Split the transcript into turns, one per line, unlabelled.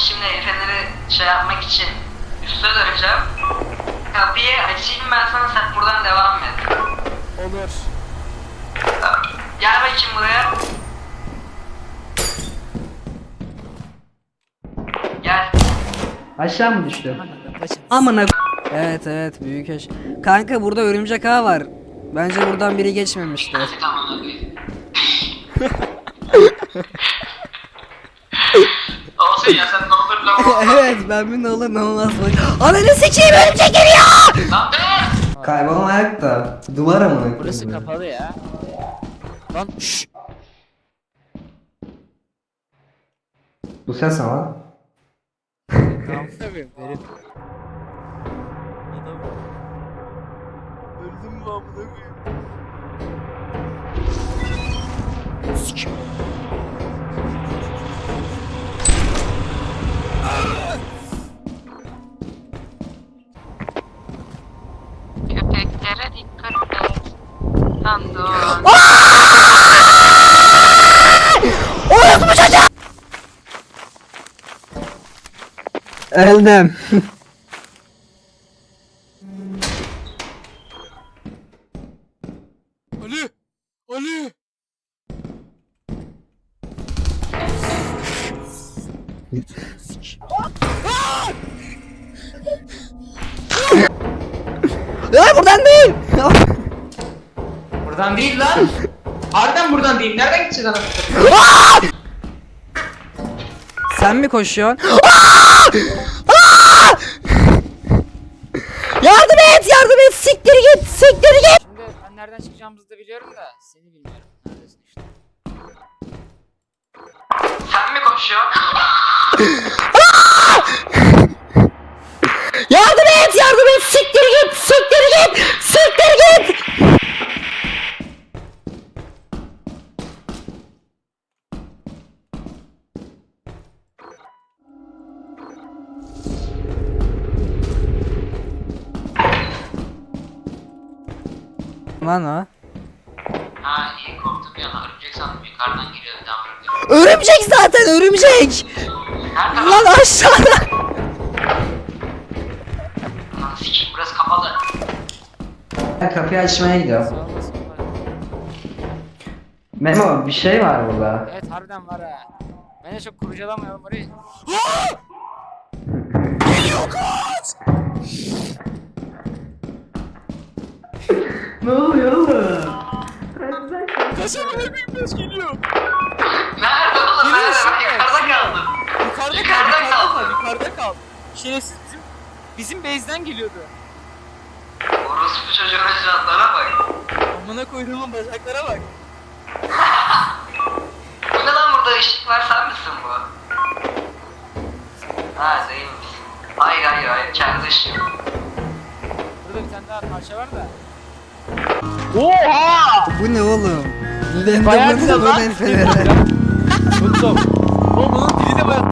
şimdi el feneri şey yapmak için üste döneceğim. Kapıyı açayım ben sana, sen buradan devam et.
Olur.
Tamam. Gel bakayım buraya. Gel.
Aşağı mı düştü?
Başım.
Amına
Evet evet büyük eş. Kanka burada örümcek ağı var. Bence buradan biri geçmemiştir.
Tamam abi. Olsun ya, sen ne olur lan.
Evet ben bir ne olur ne olmaz bak. Ananı sikeyim örümcek geliyor.
Lan be!
Kaybolma ayakta. Duvar amına.
Burası kapalı ya. Lan şşş.
Bu ses ama.
Tamam tabii. Verin. Adam. Öldüm mü amına koyayım? Sikim.
Köpeklere dikkat et. Lan dur.
Öldüm.
Ali! Ali!
Ya buradan değil.
Buradan değil lan. Harbiden buradan değil. Nereden gideceğiz adam?
Sen mi koşuyorsun? Yardım et, yardım et. Siktir git, siktir git.
Şimdi ben nereden çıkacağımızı da biliyorum da seni bilmiyorum. Neredesin işte?
Sen mi koşuyorsun?
Yardım et, yardım et. Siktir git, siktir git, siktir git. Lan o.
Ha iyi, korktum ya. Örümcek sandım, yukarıdan geliyor bir daha.
Örümcek zaten örümcek.
Nerede
Lan aşağıda.
lan? Sikik, burası kapalı.
Ben kapıyı açmaya gidiyorum.
Sağ olasın.
Memo bir şey var burada.
Evet harbiden var ha. Ben de çok kurcalamayalım orayı.
Ne oluyor oğlum?
Kaçın bırakayım beş geliyor.
Nerede oğlum? Nerede? Ben yukarıda kaldım. Yukarıda kaldım.
Yukarıda kal. Şerefsiz bizim base'den geliyordu.
Orospu çocuğun icraatlara bak.
Amına koyduğumun bacaklara bak.
Bu ne lan, burada ışık var, sen misin bu? Ha değilmiş. Hayır hayır hayır, kendi ışığım.
Burada bir tane daha parça var da.
Bu ne oğlum?
Bayağı güzel lan.
Enderman'ın feneri.
Tuttum. Oğlum bunun dili de bayağı